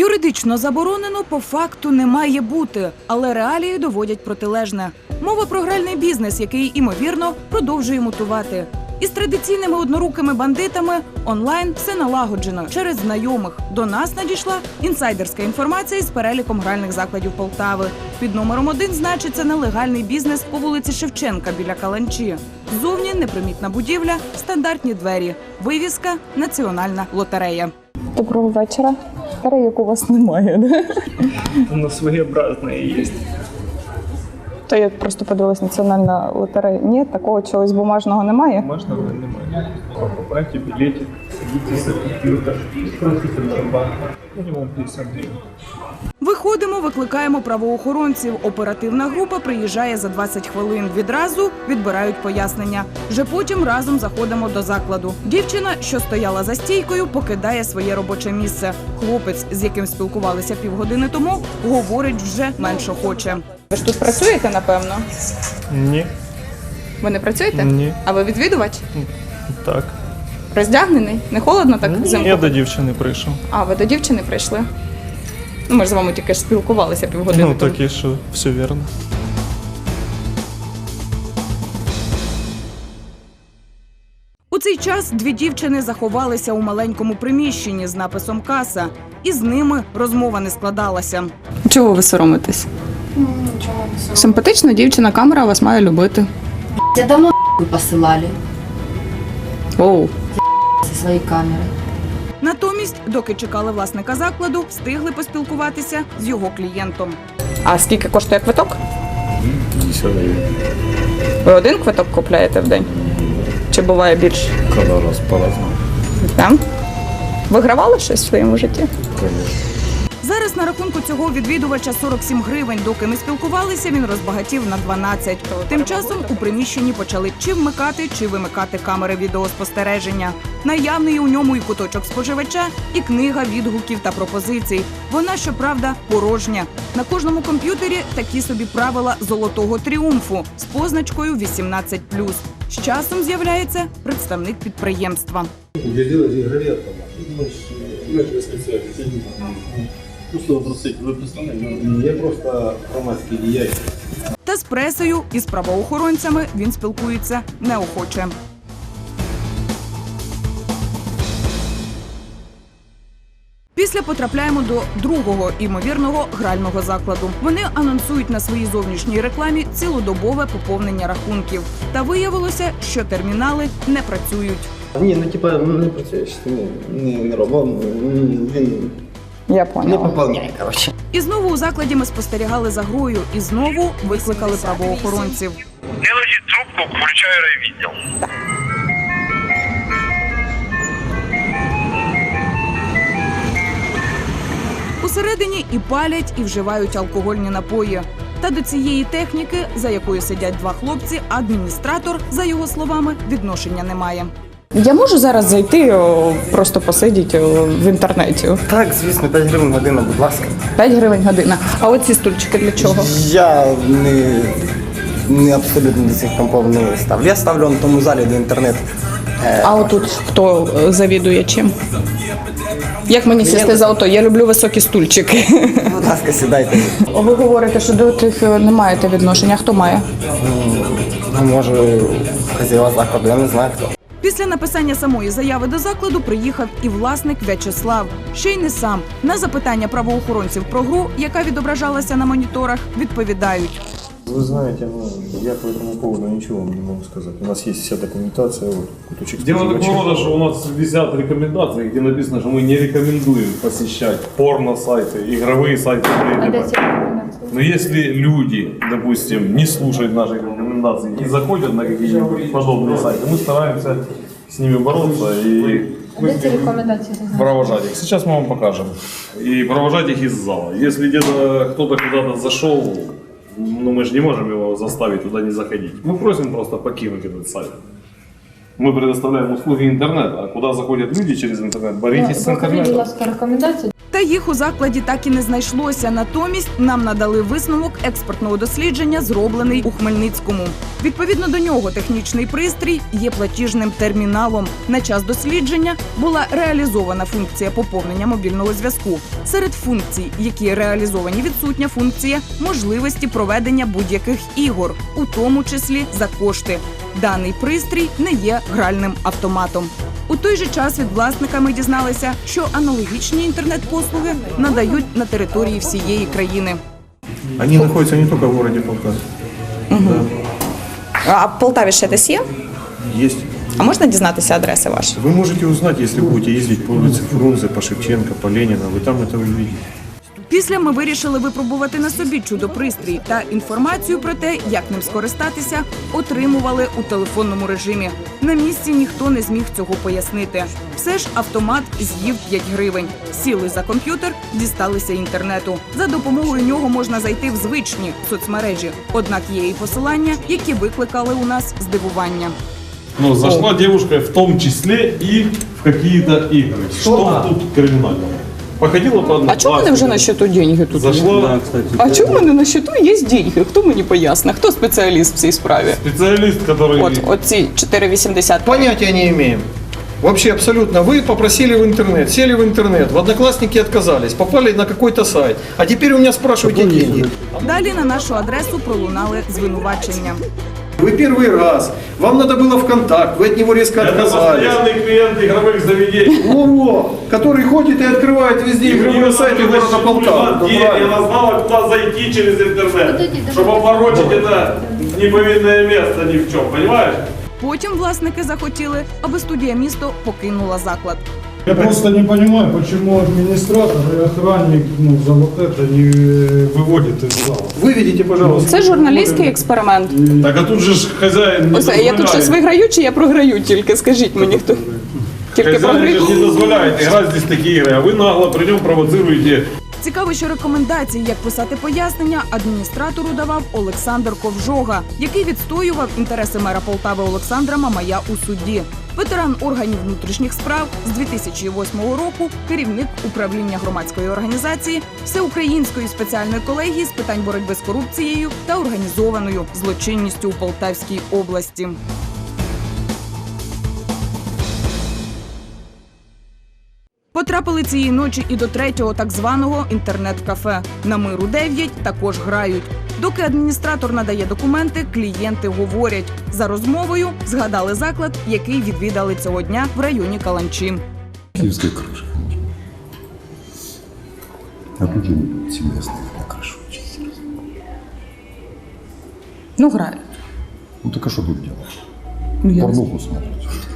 Юридично заборонено по факту не має бути, але реалії доводять протилежне. Мова про гральний бізнес, який, імовірно, продовжує мутувати. Із традиційними однорукими бандитами онлайн все налагоджено через знайомих. До нас надійшла інсайдерська інформація із переліком гральних закладів Полтави. Під номером 1 значиться нелегальний бізнес по вулиці Шевченка біля Каланчі. Ззовні непримітна будівля, стандартні двері, вивіска «Національна лотерея». Доброго вечора. Як у вас немає, да? У нас своєобразне є. То я просто подивилась, національна лотерея. Ні, такого чогось бумажного немає? Бумажного немає. Покупайте білетик, садитесь за комп'ютер, крутите на банк. Мінімум 50 гривень. Виходимо, викликаємо правоохоронців. Оперативна група приїжджає за 20 хвилин. Відразу відбирають пояснення. Вже потім разом заходимо до закладу. Дівчина, що стояла за стійкою, покидає своє робоче місце. Хлопець, з яким спілкувалися півгодини тому, говорить вже менш охоче. Ви ж тут працюєте, напевно? Ні. Ви не працюєте? Ні. А ви відвідувач? Так. Роздягнений? Не холодно так взимку? Я до дівчини прийшов. А, ви до дівчини прийшли? Ну, ми ж з вами тільки ж спілкувалися півгодини Ну, тому. так і що, все вірно. У цей час дві дівчини заховалися у маленькому приміщенні з написом «Каса». І з ними розмова не складалася. Чого ви соромитесь? Ничего не соромно. Симпатична дівчина, камера вас має любити. Тебя домой посылали Оу. со своей камерой. Натомість, доки чекали власника закладу, встигли поспілкуватися з його клієнтом. А скільки коштує квиток? 50 гривен. Ви один квиток купляєте в день? Чи буває більше? Когда раз по-разному, Так? Вигравали щось в своєму житті? конечно. Зараз на рахунку цього відвідувача 47 гривень. Доки ми спілкувалися, він розбагатів на 12. Тим часом у приміщенні почали чи вмикати, чи вимикати камери відеоспостереження. Наявний у ньому і куточок споживача, і книга відгуків та пропозицій. Вона, щоправда, порожня. На кожному комп'ютері такі собі правила золотого тріумфу з позначкою 18+. З часом з'являється представник підприємства. Для делать игровые автоматы. Мы же специалисты. Ну что вы просите, вы представляете? Я просто громадский деятель. Та з пресою і з правоохоронцями він спілкується неохоче. Після потрапляємо до другого імовірного грального закладу. Вони анонсують на своїй зовнішній рекламі цілодобове поповнення рахунків. Та виявилося, що термінали не працюють. Ні, ну типа не працює, що не робив, він Я не поняла. поповняє, коротше. І знову у закладі ми спостерігали за грою, і знову викликали правоохоронців. Делайте трубку, включаю райвідділ. Усередині і палять, і вживають алкогольні напої. Та до цієї техніки, за якою сидять два хлопці, адміністратор, за його словами, відношення не має. Я можу зараз зайти, просто посидіти в інтернеті? Так, звісно, 5 гривень година, будь ласка. 5 гривень година. А оці стульчики для чого? Я не абсолютно до цих компов не ставлю. Я ставлю на тому залі до інтернету. А отут хто завідує чим? Як мені сісти за ото? Я люблю високі стульчики. Будь ласка, сідайте. Ви говорите, що до тих не маєте відношення. Хто має? Ну, може, хазяєва закладу, я не знаю хто. Після написання самої заяви до закладу приїхав і власник В'ячеслав. Ще й не сам. На запитання правоохоронців про гру, яка відображалася на моніторах, відповідають. Вы знаете, ну, я по этому поводу ничего вам не могу сказать. У нас есть вся документация, вот, куточек Дело споживачей. такого рода, что у нас висят рекомендации, где написано, что мы не рекомендуем посещать порно-сайты, игровые сайты. Но если люди, допустим, не слушают наших рекомендаций и заходят на какие-нибудь подобные сайты, мы стараемся с ними бороться и провожать их. Сейчас мы вам покажем. И провожать их из зала. Если где-то кто-то куда-то зашел, ну мы же не можем его заставить туда не заходить. Мы просим просто покинуть этот сайт. Мы предоставляем услуги интернета, а куда заходят люди через интернет, боритесь с интернетом. Рекомендації. Та їх у закладі так і не знайшлося. Натомість нам надали висновок експертного дослідження, зроблений у Хмельницькому. Відповідно до нього технічний пристрій є платіжним терміналом. На час дослідження була реалізована функція поповнення мобільного зв'язку. Серед функцій, які реалізовані, відсутня функція можливості проведення будь-яких ігор, у тому числі за кошти. Даний пристрій не є гральним автоматом. У той же час від власника ми дізналися, що аналогічні інтернет-послуги надають на території всієї країни. Они находятся не только в городе Полтаве. А в Полтаві ще десь є? Есть. А можна дізнатися адреси ваші? Вы можете узнать, если будете ездить по улице Фрунзе, по Шевченко, по Ленина, вы там это увидите. Після ми вирішили випробувати на собі чудо-пристрій та інформацію про те, як ним скористатися, отримували у телефонному режимі. На місці ніхто не зміг цього пояснити. Все ж автомат з'їв 5 гривень. Сіли за комп'ютер, дісталися інтернету. За допомогою нього можна зайти в звичні соцмережі. Однак є і посилання, які викликали у нас здивування. Ну, зашла девушка в том числе и в какие-то игры. Что тут криминального? Походила по одному. А чому в мене вже на счету деньги тут? Зашла А чому в мене на счету є деньги? Хто мені пояснить? Хто спеціаліст в цій справі? специалист, который... От ці 4,80. Понятия не имеем. Вообще абсолютно. Вы попросили в интернет, сели в интернет, в Одноклассники отказались, попали на какой-то сайт. А теперь у меня спрашиваете деньги. Далі на нашу адресу пролунали звинувачення. Вы первый раз, вам надо было ВКонтакт, вы от него резко Это отказались. постоянный клиент игровых заведений. Во-во, который ходит и открывает везде игровые сайты города Полтавы. Я она знала, куда зайти через интернет, чтобы опорочить это неповинное место ни в чем, понимаешь? Потім власники захотіли, аби студія «Місто» покинула заклад. Я просто не понимаю, почему администратор и охранник за вот это не выводит из зала. Выведите, пожалуйста. Це журналістський експеримент. Так а тут же ж хозяин не Ось, я тут щось виграю чи я програю тільки? Скажіть мені, хто? Тільки Хозяин же програю? не дозволяет играть здесь такие игры, а вы нагло при нем провоцируете. Цікаво, що рекомендації, як писати пояснення, адміністратору давав Олександр Ковжога, який відстоював інтереси мера Полтави Олександра Мамая у суді. Ветеран органів внутрішніх справ з 2008 року, керівник управління громадської організації Всеукраїнської спеціальної колегії з питань боротьби з корупцією та організованою злочинністю у Полтавській області. Потрапили цієї ночі і до третього так званого інтернет-кафе. На Миру 9 також грають. Доки адміністратор надає документи, клієнти говорять. За розмовою згадали заклад, який відвідали цього дня в районі Каланчі. Киевская крыша. А тут же все местные на крышу учатся. Ну, грають. Ну так а что тут делать? Ну, я не Порнуху смотрят.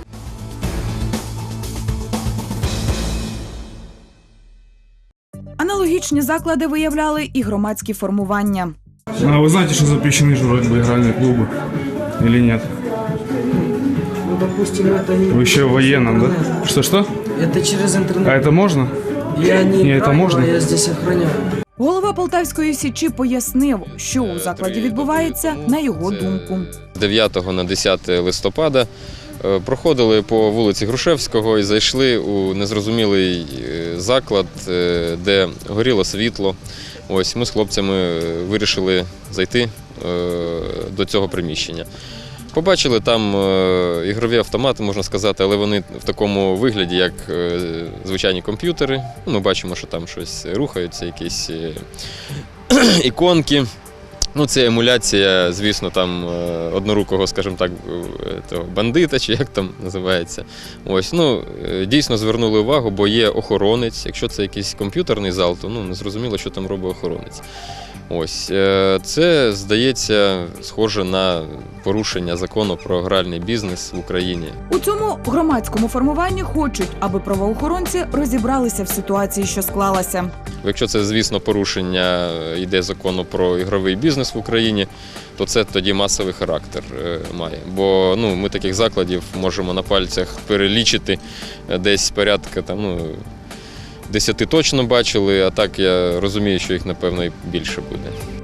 Аналогічні заклади виявляли і громадські формування. А вы знаете, что запрещены же вроде бы игральные клубы? Или нет? Ну, допустим, это не... Вы еще в военном, да? Что-что? Это через интернет. А это можно? Я не Не, это играю, можно? а я здесь охраняю. Голова Полтавської Січі пояснив, що у закладі відбувається, на його думку. 9 на 10 листопада проходили по вулиці Грушевського і зайшли у незрозумілий заклад, де горіло світло. Ось ми з хлопцями вирішили зайти до цього приміщення. Побачили там ігрові автомати, можна сказати, але вони в такому вигляді, як звичайні комп'ютери. Ми бачимо, що там щось рухаються, якісь іконки. Ну, це емуляція, звісно, там однорукого, скажімо так, того бандита, чи як там називається. Ось, ну, дійсно звернули увагу, бо є охоронець. Якщо це якийсь комп'ютерний зал, то не зрозуміло, що там робить охоронець. Ось, це, здається, схоже на порушення закону про гральний бізнес в Україні. У цьому громадському формуванні хочуть, аби правоохоронці розібралися в ситуації, що склалася. Якщо це, звісно, порушення йде закону про ігровий бізнес в Україні, то це тоді масовий характер має. Бо ми таких закладів можемо на пальцях перелічити десь порядка 10 точно бачили, а так я розумію, що їх, напевно, і більше буде.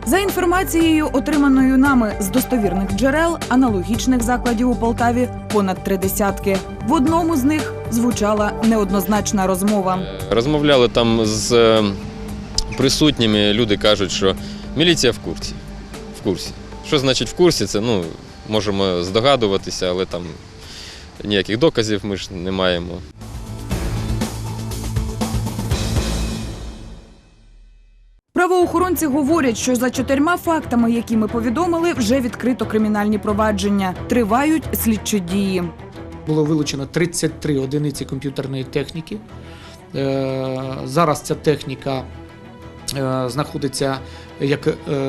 За інформацією, отриманою нами з достовірних джерел, аналогічних закладів у Полтаві понад 30. В одному з них звучала неоднозначна розмова. Розмовляли там з присутніми, люди кажуть, що міліція в курсі. В курсі. Що значить в курсі? Це, можемо здогадуватися, але там ніяких доказів ми ж не маємо. Правоохоронці говорять, що за 4 фактами, які ми повідомили, вже відкрито кримінальні провадження. Тривають слідчі дії. Було вилучено 33 одиниці комп'ютерної техніки. Зараз ця техніка знаходиться як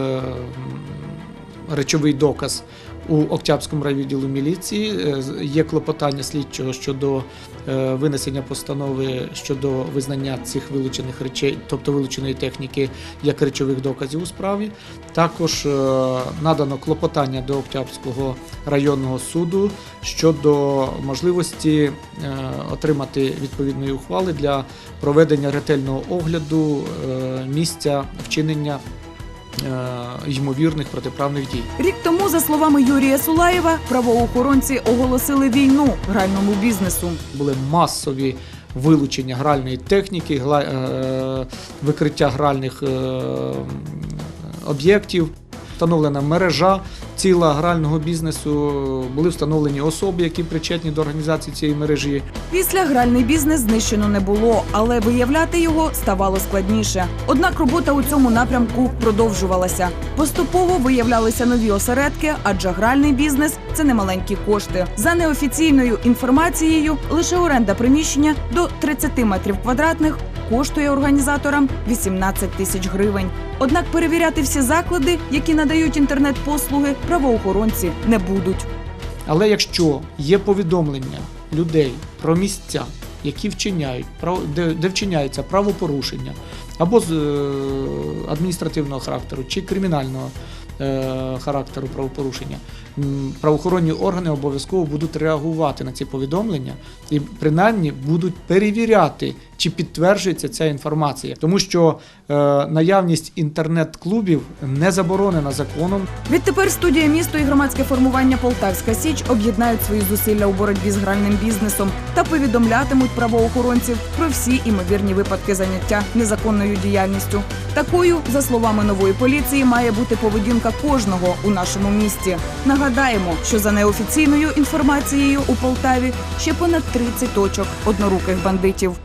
речовий доказ у Октябрському райвідділу міліції. Є клопотання слідчого щодо винесення постанови щодо визнання цих вилучених речей, тобто вилученої техніки, як речових доказів у справі. Також надано клопотання до Октябрського районного суду щодо можливості отримати відповідної ухвали для проведення ретельного огляду місця вчинення ймовірних протиправних дій. Рік тому, за словами Юрія Сулаєва, правоохоронці оголосили війну гральному бізнесу. Були масові вилучення гральної техніки, викриття гральних об'єктів, встановлена мережа ціла грального бізнесу, були встановлені особи, які причетні до організації цієї мережі. Після гральний бізнес знищено не було, але виявляти його ставало складніше. Однак робота у цьому напрямку продовжувалася. Поступово виявлялися нові осередки, адже гральний бізнес – це немаленькі кошти. За неофіційною інформацією, лише оренда приміщення до 30 метрів квадратних коштує організаторам 18 тисяч гривень. Однак перевіряти всі заклади, які надають інтернет-послуги, правоохоронці не будуть. Але якщо є повідомлення людей про місця, які вчиняють, де вчиняється правопорушення або з адміністративного характеру чи кримінального характеру правопорушення, правоохоронні органи обов'язково будуть реагувати на ці повідомлення і принаймні будуть перевіряти, чи підтверджується ця інформація. Тому що наявність інтернет-клубів не заборонена законом. Відтепер студія «Місто» і громадське формування «Полтавська Січ» об'єднають свої зусилля у боротьбі з гральним бізнесом та повідомлятимуть правоохоронців про всі імовірні випадки заняття незаконною діяльністю. Такою, за словами нової поліції, має бути поведінка кожного у нашому місті. Нагадаємо, що за неофіційною інформацією у Полтаві ще понад 30 точок одноруких бандитів.